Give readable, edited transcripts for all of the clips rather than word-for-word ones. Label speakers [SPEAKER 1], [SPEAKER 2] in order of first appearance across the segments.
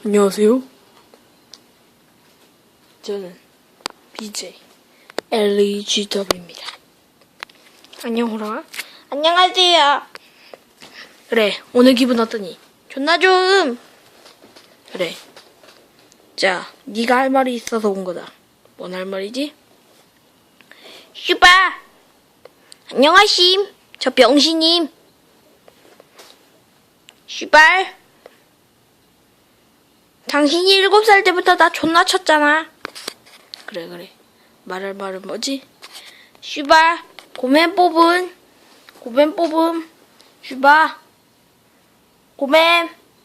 [SPEAKER 1] 안녕하세요. 저는 BJ LEGW입니다. 안녕 호랑아.
[SPEAKER 2] 안녕하세요.
[SPEAKER 1] 그래, 오늘 기분 어떠니?
[SPEAKER 2] 존나 좋음.
[SPEAKER 1] 그래. 자, 네가 할 말이 있어서 온 거다. 뭔 할 말이지?
[SPEAKER 2] 슈바. 안녕하심. 저 병신님. 슈발. 당신이 7살 때부터 나 존나 쳤잖아.
[SPEAKER 1] 그래. 말할 말은 뭐지?
[SPEAKER 2] 슈바. 고맨 뽑음. 슈바. 고맨.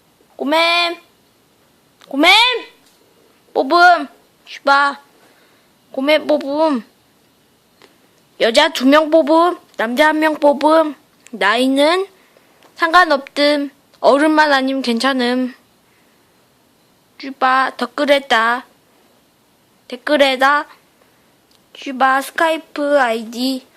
[SPEAKER 2] 뽑음. 슈바. 고맨 뽑음. 여자 2명 뽑음. 남자 1명 뽑음. 나이는 상관없음. 어른만 아니면 괜찮음. 슈바. 댓글에다 슈바 스카이프 아이디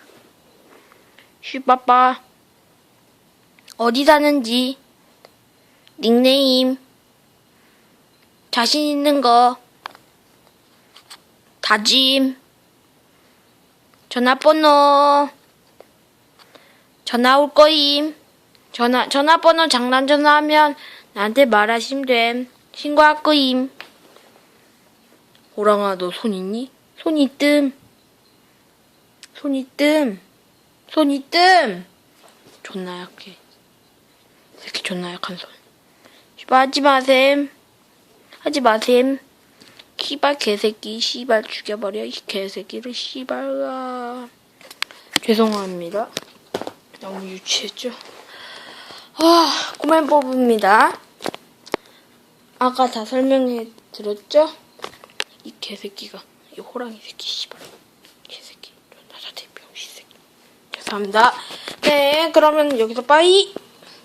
[SPEAKER 2] 슈바빠 어디 사는지 닉네임 자신 있는 거 다짐 전화번호 전화 올 거임 전화번호 장난 전화하면 나한테 말하시면 됨 신고할 거임
[SPEAKER 1] 호랑아, 너 손 있니?
[SPEAKER 2] 손 있뜸
[SPEAKER 1] 존나 약해. 새끼 존나 약한 손.
[SPEAKER 2] 씨발 하지 마셈 씨발 개새끼 씨발 죽여버려 이 개새끼를 씨발
[SPEAKER 1] 죄송합니다. 너무 유치했죠?
[SPEAKER 2] 고맨 뽑습니다. 아까 다 설명해 드렸죠?
[SPEAKER 1] 이 개새끼가, 이 호랑이 새끼, 씨발. 개새끼. 존나 자대 병신 새끼.
[SPEAKER 2] 죄송합니다. 네, 그러면 여기서 빠이.